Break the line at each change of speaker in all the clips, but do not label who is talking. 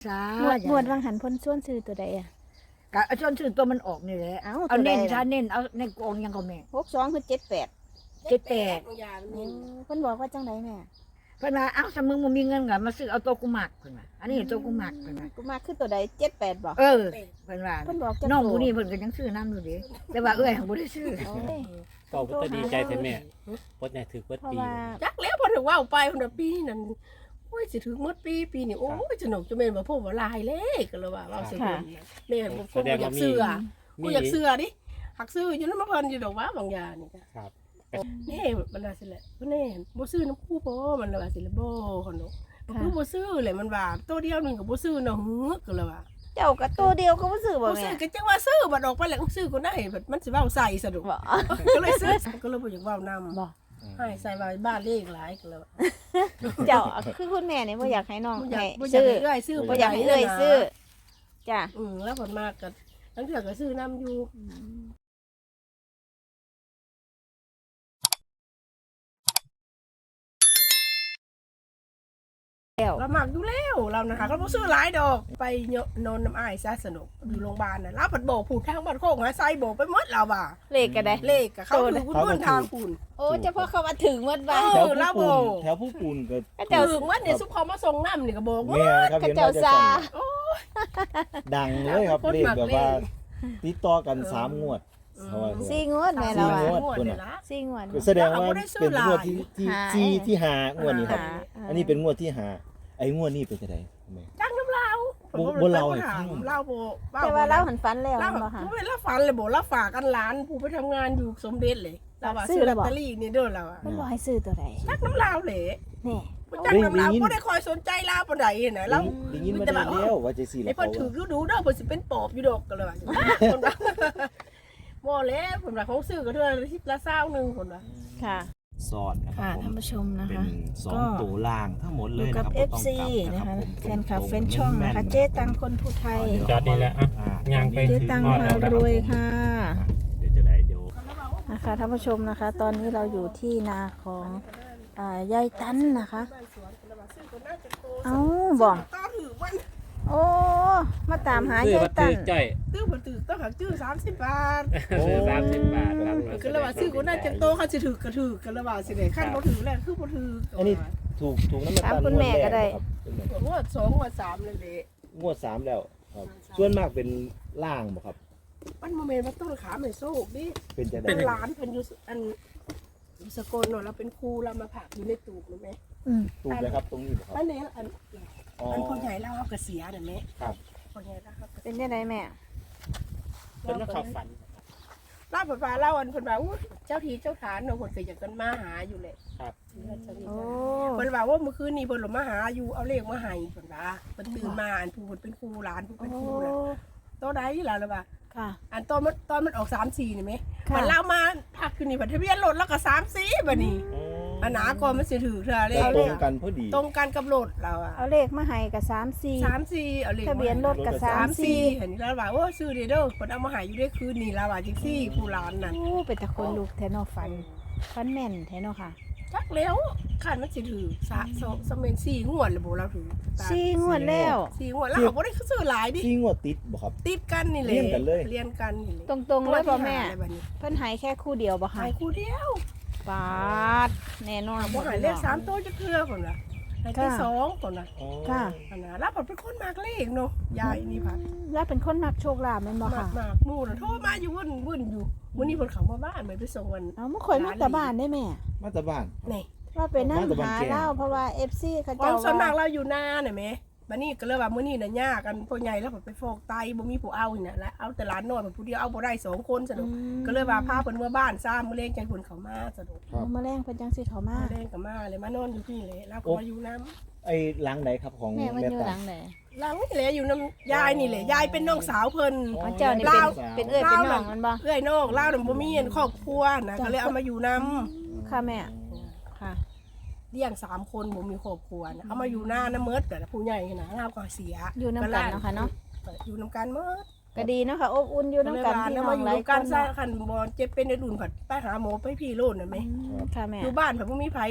จ้า
งวดวังหันพ้นส่วนซื้อตัวใดอ่ะ
กะชวนชื่อตัวมันออกนี่แหละ
เอา
เอาเน้น
ตัวใดล่ะ
ถ้าเน้นเอาในกองยังก็แม่
62คือ78
78
เพิ่นบอกว่าจังไดแม่
เพิ่นว่าเอ้าถ้ามึงบ่มีเงินก็มาซื้อเอาตัวกูมักเพิ่นว่าอันนี้ตัวกูมักเพิ่นว่า
กูมาคือตัวใด78บ่
เพิ่นว่า
เพิ่นบอกจัง
น้องผู้นี้เพิ่นก็ยังซื้อน้ำอยู่เด้แต่ว่าเอ้ยบ่ได้ซื้อ
โอ้ย
ก็บ่ดีใจแต่แม่ปดใหญ่ถือเบิด
เพราะ
ปี
ว่า
จักแล้วพอถึงว่าไปคนละปีนั่นโอ้ยสิถึงหมดปีนี่โอ้ยสนุกจะแม่นบ่พบว่าลายเลยก็เลยว่าเว้าสิคนแม่บ่พบอยากเสื้อกูอยากเสื้อดิหักซื้ออยู่นำเพิ่นอยู่ดอกว่าบางอย่างนี่จ้ะ
ครับ
นี่มันว่าสิแหละบ่แน่บ่ซื้อน้ำคู่บ่มันว่าสิละบ่คนเนาะมันคือบ่ซื้อเลยมันว่าตัวเดียวนึงก็บ่ซื้อเนาะหือก็เลยว่า
เจ้าก็ตัวเดียวก็บ่ซื้อบ่
บ่
แม่
ซื้อก็จังว่าซื้อบัดออกไปแล้วซื้อก็ได้บัดมันสิเว้าใส่ซะดอก
บ่
ก็เลยซื้อก็เลยบ่อยากเว้านำ
บ่
ให้ใส่ไว้บ้านเลขหลายก็เลยว่า
เจ้าคือคุณแม่นี่บ่อยากให้น้อง
บ่อยา
ให้
กบ่อยาก
ซื้อ
ให้เอื้อยซื้อ
บ่อยากให้เอ้ยซื้อจ้ะ
แล้วผลมากก็ตั้งแต่ก็ซื้อน้ำอยู่เราหมักอยู่แล้วเรานะคะก็บ่ซื้อหลายดอกไปนอนน้ำอ้ายซะสนุกอยู่โรงพยาบาลน่ะเราผัดโบกผูดทางบ้านโคกหาไซโบกไปหมดเราว่ะ
เลขก็ได้
เลขกับเขาถือคุณมุ่นทางคุณ
โอ้เฉพาะเขามาถึงหมดบ่า
เอ
แถ
อ
ว
แล้ว
ผู้
โบ
ปูนแถวผู้ปูนก็
ก็เจ้า
ถือว่าเนี่ยซุปเขามาส่งน้ำนี่ก็โบกหมด
แม่ครับ
เขา
เห็น
เจ้า
ว่าจะ
ซา
ดังเลยครับ
คน
เลข
หมัก
แบบว่า
เลข
ติดต่อกัน3งวดเพราะว่า
4งวดแม่เรา
สี่
อ่ะ
งวด
เนี่ยนะ
4งวด
แสดงว่าเป็นงวดที่
หา
ที่5งวดนี้ครับ
หา
อันนี้เป็นงวดที่5ไอ้งวดนี้เป็นจังได๋แม่
จ้างน้ำเรา
บ่เล่าให้ฟัง
เล่าโบ
แต่ว่าเราหันฝันแล้ว
เล่า
บ่ค่ะ
เวลาฝันเลยโบเล่าฝากกันหลานผู้ไปทำงานอยู่สมเด็จเลยเราว่า
ซื้
ซื้
อ
อ
แล้
ล
ว
อต
บ่
เตอรี่นี่เด้อเราอะ
เพิ่นบอกให้ซื้อตัวใด
จักน้ำลาวเลย
นี่
จักน้ำลาวบ่ได้คอยสนใจลาวปานใดน่ะเรา
ได้ยินมาได้แล้วว่าจะสิ
ไอ้
แล้ว
เพิ่นถือดูเด้อเพิ่นสิเป็นปอบอยู่ดอกก็เลยว่าคนว่าบ่แล้วเพิ่นว่าของซื้อก็เท่าละ20นึงคนว่า
ค่ะ
สอดนะครั
ค่ะ
บผม
ท่านผู้ชมนะ
เป็น
คะ
2ตัวล่างทั้งหมด
อ
เลย
ยู่
นะ
กับ
ครับ
FC
บ่ต้องกลับ
นะคะ
ผม
แฟนคลับแฟนช่องนะคะเจ๊ตังคนผู้ไทย
จอดนี่แหละอ่ะย่างไป
เจ๊
ถึง
ตัง
ฮอด
มา
แล้วนะค
ร
รับ
วยค่ะ
เดี๋ยวจะได้เดี๋ยว
นะคะท่านผู้ชมนะคะ ตอนนี้เราอยู่ที่นาของยายตันนะคะ เอ้าบอก
ต่อถือวัน
โอ้ มาตามหา
ซื้อย
าย
บัตร
ตัน
จ้อย
ตื้อบ่ถือต้องหักจื้อ30 บาท
ซื้อ30 บาทครับ
ก็เลยว่าซื้อก็น่าจะโตเขาสิถือก็ถือกันเลยว่าสิได้คันบ่ถือแล้วคือบ่ถือ
อันนี้ถูกน้ำมัน
ถาม
ตัน
คุณแม่ก็ได้
ครับเป็นแบบ
งวด2งวด3เลยเด้
งวด3แล้วครับส่วนมากเป็นล่างบ่ครับ
มันบ่แม่นว่าต้นขาแม่โซกดิ
เป็นจังได๋
เป็นหลานเพิ่นอยู่อันสกลเนาะเราเป็นครูเรามาผักอยู่ในตูบรู้ไหม
อืม
ถูกเลยครับตรงนี้บ่ครับ
อันนี้อัน
อ๋อ
อันคนใหญ่เราเอากระเสียน่ะแม่
ครับ
คนใหญ่เราเอากระ
เป็นยังไงแม่
เป็นนักข่าวฝัน
เล่าผ่าเล่าอันเพิ่นว่าอู้เจ้าทีเจ้าฐานเนาะเพิ่นก็อยากกันมาหาอยู่แหละ
ครับ
โอ้
เพิ่นว่าว่าเมื่อคืนนี้เพิ่นลงมาหาอยู่เอาเลขมาให้เพิ่นว่าเพิ่นตื่นมาอันผู้เพิ่นเป็นครูหลานผู้
โอ้
เป็นครูน่ะโตใดล่ะล่ะว่า
ค่ะ
อันตอนมันออก3-4นี่แม่
ค่ะ
มันเล่ามาทักขึ้นนี่บัดทะเบียนรถแล้วก็3-4บัดนี้อันหนาก่อนมันสิถือเท่าเล
แล้ว
ข
ตรงกันพอดี
ตรงกันกับรถเราอะ
เอาเลขมาให้กับ34
3-4เอาเลข
ทะเบียนรถกับ
3-4เห็นแล้วว่าโอ้ซื้อเด้อเพิ่นเอามาให้อยู่ได้คืนนี้แล้วว่าจังซี่ผู้หลานนั่น
โอ้เป็นตะคนลูกแทนอฝันฝันแม่นแทนอค่ะ
จักแล้วคันมันสิถือสเมน4งวดเลยบ่เราถือ
4งวดแล้ว
4งวดแล้วเขาบ่ได้ซื้อหลายดิ
ที่งวดติดบ่ครับ
ติดกันนี่แหละ
เรียนกันเลย
เรียนกันนี่แหละ
ตรงๆเลยบ่แม่
อะไรบัดนี้
เพิ่นให้แค่คู่เดียวบ่ค่ะ
หายคู่เดียว
ปาดแน่นอน
บ่หายเลข3ตัวจะเทื่อพุ่นน่ะให้ที่2พุ่นน่ะ
อ๋อ
ค่ะ
อันน่ะแล้วผมเป็นคนมากเลขเนาะยายนี่พัด
แล้วเป็นคนมักโชคลาภแม่นบ่
มาก
ค่ะ
มากหมู่น่ะโทรมาอยู่วุ่นอยู่มื้อนี้เพิ่นเข้ามาบ้านไปส่งวัน
เอามาข่อยมาแต่บ้านได้แม่
มาแต่บ้าน
นี่
ว่าไปนั่ง
มาแต่บ้าน
หา
แก
เล่าเพราะว่า FC เขา
ควา
เจ้าม
ส่วนมาก
ว่า
เราอยู่นาน่ะแม่บัดนี้ก็เลยว่ามื้อนี้น่ะยากกันพ่อใหญ่แล้วไปฟอกไตบ่มีผู้เอานี่น่ะแล้วเอาแต่หลานน้อยผู้เดียวเอาบ่ได้2คนซะดอกก็เลยว่าพาเพิ่นเมื่อบ้านซ้ำมื้อแลงจังเพิ่นเข้ามาซะดอก
ครับ
มาแรงเพิ่นจังสิเขามา
มื้อแลงก็มาเลยมานอนอยู่พี่เลยแล้วก็มาอยู่น้
ไอ้หลังไหนครับของ
แม่มันอยู่
ตา
หลังไหน
ำหลังนี่แหละอยู่น้ำยายนี่แหละยายเป็นน้องสาวเพิ่น
อ๋อเจ้านี่
ลาว
เป็นเอ้ยเป็นน้องมันบ่
เอ้อยน้องลาวน่ะบ่มีครอบครัวนะก็เลยเอามาอยู่นํ
ค่ะแม่ค่ะ
เลี้ยง3คนบ่มีครอบครัวนะเอามาอยู่หน้าน้ำเมิดแต่ผู้ใหญ่นะลาวก็เสีย
อยู่นำกันเนาะค่ะเนาะ
อยู่นํกันเมิด
ก็ดีเนาะค่ะอบอุ่นอยู่นำกันพี่น้
มา
อง
อยู่
หลาย
นํ
ค
กัน
น
ซะ
เนาะ
คันบ่เจ็บเป็นในดุนผัดไปหาหมอไปพี่โลดน่ะแม่
ค่ะแม่
อยู่บ้านผัดบ่มีไผ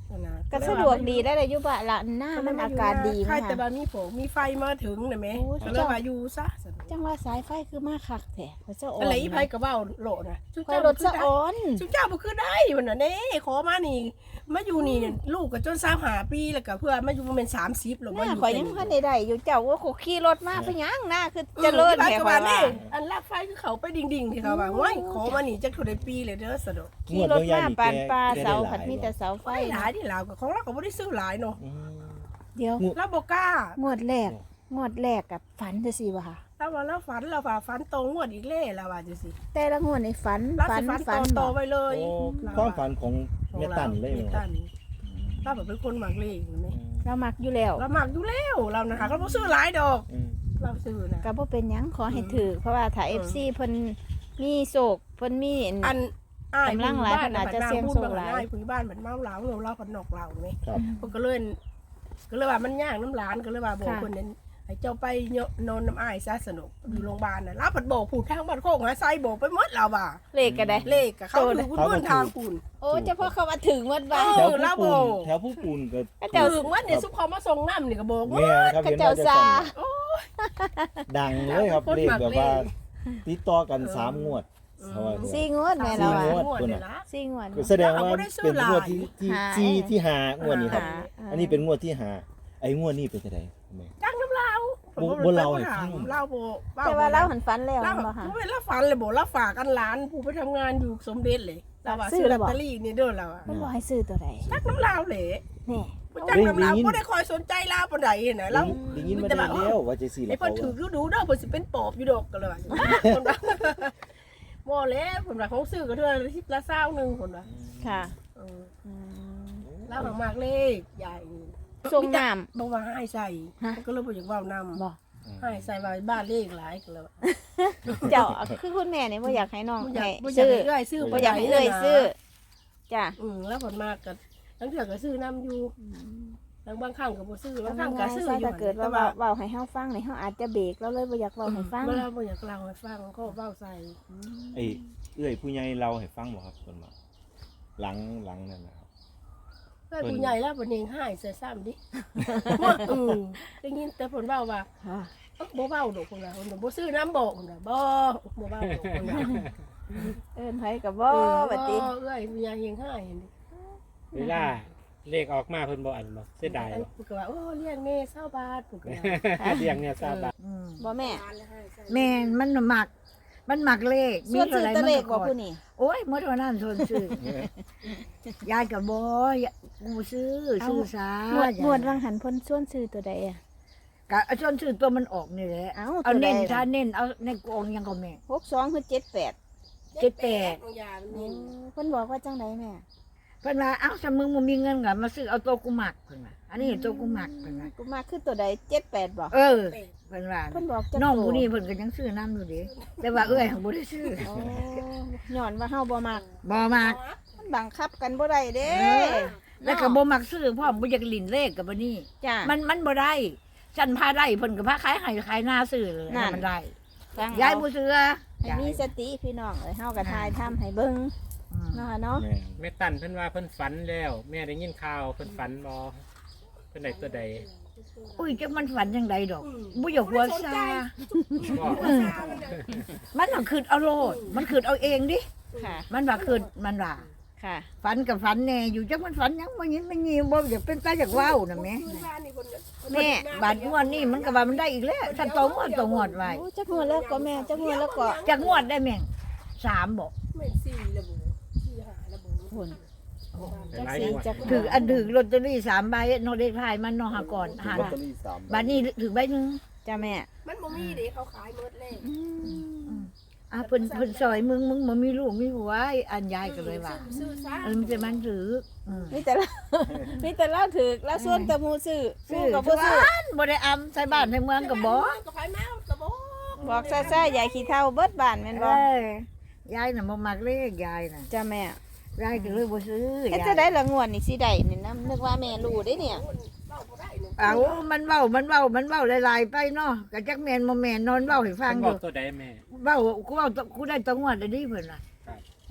นะ
ก็สะดวกดีได้เลยอยู่บ้านละหน้ามันอากาศดี
ใช่
มา
แต่
ก
บามีโผมีไฟมาถึงนะแม่
โอ้ย
ก็เลยว่าอยู่ซะ
จังว่าสายไฟคือมาคักแท้เขาจะอ่อน
อะไรอีไผก็เว้าโลนะ
ไฟรถสะอ่อน
ชุเจ้าบ่คือได้มันน่ะเด้ขอมานี่มาอยู่นี่ลูกก็จน25ปีแล้วก็เพื่อมาอยู่ประมาณ30แล้ว
ห
มา
น้า
อยู่
ข่อยยังพันได้อยู่เจ้าว่าเขาขี่รถมาไปยังหน้าคือเจริญ
แค่
แท้
ว่า
ว่า
นี่อันลากไฟคือเขาไปดิ่งๆที่เขาว่าโอ้ยขอมานี่จักเท่าใดปีเลยเด้อสะดอก
ขี่รถมาปานปลาเสาผัดมีแต่เสาไฟ
ไฟหลายที่ลาวก็ของเราก็บ่ได้ซื้อหลายเนาะ
อืม
เดี๋ยว
เราบ่กล้าง
วดแรกกับฝันจะสิวะค่ะ
ถ้าว่าเราฝันเราว่าฝันตรงงวดอีกแล้วล่ะว่าจังซี่
แต่ละงวดในฝัน
เรา
ฝั
สิ
น
ฝัน
ฝัน
ต่อ
บ่
ไว้เลย
โอ้คือความฝันของแม่ตันเลย
แม่
มั้ง
ตันถ้าแบบเป็นคนมักเลขเห็นไหม
เรามักอยู่แล้ว
เรามักอยู่แล้วเรานะคะเราบ่ซื้อหลายดอก
อืม
เราซื้อนะ
ก็บ่เป็นหยังขอให้ถือเพราะว่าถ้า FC เพิ่นมีโศกเพิ่นมี
อันอ้าย
กำลังหลาย
บ้
ขนาดจะเสี่ยงโชคหลาย
อ้ผู้บ้านเหมือนเมาเหล้าเราผันนอกเหล้าไหม
ครับ
เพิ่นก็เลยว่ามันยากน้ำหลานก็เลยว่าบอกคนนั้นให้เจ้าไปนอนน้ำอ้ายซะสนุกอยู่โรงพยาบาลน่ะเราผัดบอกพูดทางบ้านโคกหาไซบอกไปหมดเราว่า
เลขก็ได้
เลขกับเขาถือคุณเพื่อนทางคุณ
โอ้เฉพาะเขามาถึงวัดบ้าน
เอ
แถ
อ
ว
แล้ว
ผู้
บ
ปู
อน ก
แถวผู้ปูนก็
ก็เจ้า
ถึงว่าเนี่ยซุปเขามาส่งน้ำนี่ก็บอก
แม่ครับ
ก็
เห็น
เจ้า
ว่าจะ
ซา
ดังเลยครับเลขแบบว่าติดต่อกัน3งวดเขาว่า
สี่งวดแม่เรา
สี่
อ่ะ
งวด
เนี่ยนะ
สี่งวด
ก็แสดงว่าเป็นงวดที่หางวดนี้ครับ
หา
อันนี้เป็นงวดที่หาไอ้งวดนี้เป็นจังไดแม่
จังน้ำเล่า
บ่เล่าให้ฟัง
เล่าโบ
แต่ว่าเราหันฝันแล้ว
เล่า
บ่ค่ะ
เวลาฝันเลยบอกเล่าฝากกันหลานผู้ไปทำงานอยู่สมเด็จเลยเราว่า
ซื้
ซื้
อ
อ
แล้
ล
ว
อต
บ่
เตอรี่นี่เด้อเราอะ
มันบอกให้ซื้อตัวใด
จักน้ำลาวเลย
นี่
จักน้ำลาวบ่ได้คอยสนใจลาวปานใดนะเรา
ได้ยินมาได้แล้วว่าจังซี่แห
ไอ้
ละ
เพิ่
เขา
นถือ
ว่า
ดูเด้อเพิ่นสิเป็นปอบอยู่ดอกกันเลยว่าคนว่าบ่แล้วเพิ่นว่าของซื้อก็เทื่อละ10ละ20นึงเพิ่นว่า
ค่ะ
เออ
อืม
แล้วมากเลขใหญ่
ส่งน้
บ่ว่าให้ใส่
ฮะ
มันก็เลยบ่อยากเว้านำ
ำบอก
ให้ใส่ว่าบ้านเลขหลายกันแล้ว
เจ้าคือคุณแม่เนี่ยบ่อยากให้น้อง
บ่อยา
ให้
กบ่อยาก
ซื้อ
ให้เอื้อยซื้อ
บ่อยากให้เอ้ยซื้อจ้ะ
แล้วผลมากก็ทั้งเถื่อก็ซื้อน้ำอยู่ทั้งบางครั้งก็บ่ซื้อบางครั้งก็ซื้ออยู่
ถ้าเกิดว่าเว้าให้เฮาฟังนี่เฮาอาจจะเบรกแล้วเลยบ่อยากเว้าให้ฟัง
เวลาบ่อยากเล่าให้ฟังก็เว้าใส่
ไอ้เอื้อยผู้ใหญ่เราให้ฟังบ่ครับเพิ่นว่าหลังนั่นนะครับ
เพื่อนผู้ใหญ่แล้วบ่เองให้ใส่ซ้ำดิได้ยินแต่ผลเว้าว่า
ค่ะ
บ่เว้าดอกพุ่นน่ะพุ่นบ่ซื้อน้ำบอกพุ่นน่ะบ่เว้าดอกพุ่นน่ะ
เอิ้นไผก็บ่บัดนี้
เอ้ยผู้ใหญ่เองให้นี่
เวลาเลขออกมาเพิ่นบ่อันบ่เสียดายบ่
พุ่นก็ว่าโอ้เลี้ยงแม่20บาทพุ่นก็ว่า
เลี้ยงเนี่ยทราบบ่
บ่แม่
แม่นมันหมัก มันหมักเลข
ส่วนซื้อตะเลขบ่
มัน
ผู้นี่
โอ้ยเมื่อวันนั้นส่วนซื้อยายกับบ่กูซื้อซาง
วดวังหันเพิ่นส่วนซื้อตัวใดอ่ะ
กะส่วนซื้อตัวมันออกนี่แหละ
เอ้า
เอา
ตัวใด
เน้น
ล่ะ
ถ้าเน้นเอาในกองยังก็แม่
62คือ78
78
บางอย่างนี่
เพิ่นบอกว่าจังไดแม่
เพิ่นว่าเอ้าถ้ามึงบ่มีเงินก็มาซื้อเอาตัวกูหมักเพิ่นว่าอันนี้ตัวกูหมักเพิ่นว่า
กูมาคือตัวใด78บ่
เออเพิ่นว่า
เพิ่นบอกจัก
น้อง
ตัว
ผู้นี้เพิ่นก็ยังซื้อน้ำอยู่เดิแต่ว่าเอ้ยของบ่ได้ซื้อ
โอ้ย้อนว่าเฮาบ่มัก
บ่มัก
มันบังคับกันบ่ได้เด้
แล้วก็บ่มักซื้อพร้อมบ่อยากลิ้นเลขกับบ่นี่
จ้ะ
มันบ่ได้ฉันพาได้เพิ่นก็พาขายให้ขายหน้าซื้อเลย
นั่น
มันได้
ฟัง
ยาย
เอา
บ่ซื้อ
ให้มีสติพี่น้องเอ้ยเฮาก็ทายทำให้เบิ่ง
อืม
เนาะเนาะ
แม่
แม่ตันเพิ่นว่าเพิ่นฝันแล้ว แม่ได้ยินข่าวเพิ่นฝันบ่เพิ่นได้ตัวใด
อุ้ยจักมันฝันจังไดดอกบ่อยากหัวซา
บ่
มันน่ะคิดเอาโลดมันคิดเอาเองดิ
ค่ะ
มันว่าคิดมันว่า
ค่ะ
ฝันกับฝันแน่อยู่จักมันฝันหยังบ่ยินไม่ยินบ่อยากเป็นตาอยากเว้าน่ะแม่แม่บาดงวดนี้มันก็ว่ามันได้อีกแล้วฉันต้องงวดไว้
โอ้จักงวดแล้วก็แม่จักงวดแล้วก็
จักงวดได้แม่ง3บ่
ไม่4ระบุ4 5ระบุ
พุ่น
หลายงวด
จัก
ถืออันถือลอตเตอรี่3ใบเนาะเลขท้ายมันเนาะหาก่อนหา
ลอตเตอรี่3
บัดนี้ถือใบหนึง
จ้าแม่
มันบ่มีเด้เขาขายหมดเลย
เพิ่นซอยมึงบ่มีลูกมีผัวอันยายก็เลยว่า
ซื้อซะ
มันจะมันถือ
มีแต่ละ มีแต่ละถือแล้วส่วนแต่หมู่ซื้อหมู่ก็บ่ซื้อ
บ่ได้อำใส่บ้านในเมืองก็บ่
ก็ไปมาก็บ่
บอกซ่าๆยายขี้เฒ่าเบิดบ้านแม่นบ่
เอ้ยยายน่ะบ่มักเลขยายน่ะ
จ้าแม่
ยายก็เลยบ่ซื้อ
เฮ็ดจะได้ละงวดนี่สิได้นี่นะนึกว่าแม่รู้เด้เนี่ย
เอามันเว้าหลายๆไปเนาะก็จักแม่นบ่แม่นนอนเว้าให้ฟั
เพิ่
ง
น
อบ
อยู่ กตัวใดแม่
เว้ากูได้ตะงวดได้ดิเพิ่นน่ะ
ครับ
กู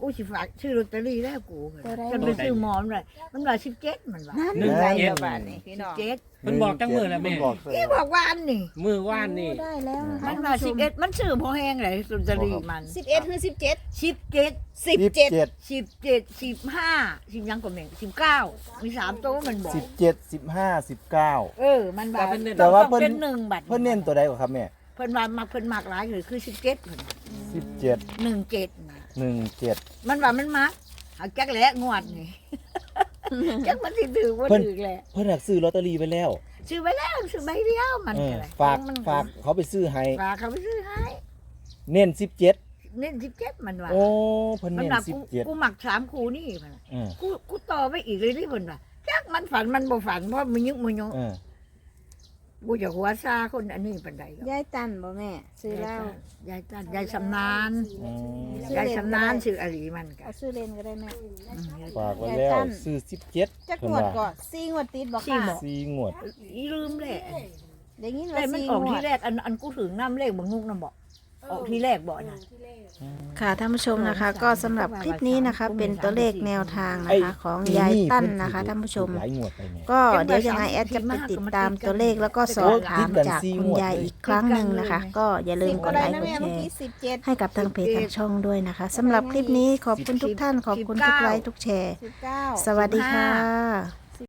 กูสิฝากชื่อลอตเตอรี่แล้วกู
ตัวใด
จะไปซื้อหมอนเลยมันว่า17มันว่า
นั่น
หนึ่ง
ได้
เจ็ด
แล้วบาทนี่พี่น้อง
17
เพิ่นบอกจังมือแล้วแม่
เพิ่นบอก
ที่บอกว่าอันนี่
มือว่านนี่
ได้แล้วนะคะ
มันว่า11มันซื้อพอแห้งเลยลอตเตอรี่มัน
11หรือ17
17
17
17 15 10ยังก็แม่ง19มี3ตัวมันบอก
17 15 19
มันว่า
แต่ว่าเพิ่น
เป็น1บัตร
เพิ่นเน้นตัวใดกว่าครับแม่
เพิ่นว่ามักเพิ่นมักหลายเลยคือ17เพิ่น
17
17นะ
17
มันว่ามันมักเอาจักแหละงวดนี่ จักมันสิถือบ่ถือแหละ
เพิ่นอยากซื้อลอตเตอรี่ไปแล้ว
ซื้อไว้แล้วซื้อใบเดียวมัน
เออ
ก็ได้
ฝาก
มัน
ฝากเขาไปซื้อให้
ฝากเขาไปซื้อให้
เน้น17
เน้น17มันว่า
โอ้เพิ่น
มัน
เน้น
ว่ากู
17
หมัก3คู่นี่มันว่า
เออ
กูต่อไปอีกเลยนี่เพิ่นว่าจักมันฝันมันบ่ฝันเพราะมันยึกมันยง
เออ
กูจะหัวซาคนอันนี้ปานใดหรอก
ยายตันบ่แม่ซื้อเหล้าย
ายตันยายสำนาน
อืม
ยายสำนานชื่ออลีมันก็
เอาซื้อเลนก็ได้แม่
ฝากไว้แล้วซื้อ17
จัก
เพิ่
ง
น
วด
ว่า
ก่อน4งวดติดบ่
สี่
ค่ะ
หมด
4งวด
อีลืมแหละ
ได้ยิน
แต่
ว่า
มัน
4
ออก
งว
ที่
ด
แรกอันกูถึงน้ำเลขบางงุกน้ำบอกออกที่แรกบอกนะ
ค่ะท่านผู้ชมนะคะ ก็สำหรับคลิปนี้นะคะ เป็นตัวเลขแนวทางนะคะของยายตั้นนะคะท่านผู้ชม
หลายงวดไปแม่
ก็เดี๋ยวยังไงแอดจะไปติดตามตัวเลขแล้วก็สอบถามจากคุณยายอีกครั้งหนึ่งนะคะ ก็อย่าลืมกดไลค์กดแชร์ให้กับทางเพจทางช่องด้วยนะคะสำหรับคลิปนี้ขอบคุณทุกท่านขอบคุณทุกไลค์ทุกแชร์ สวัสดีค่ะ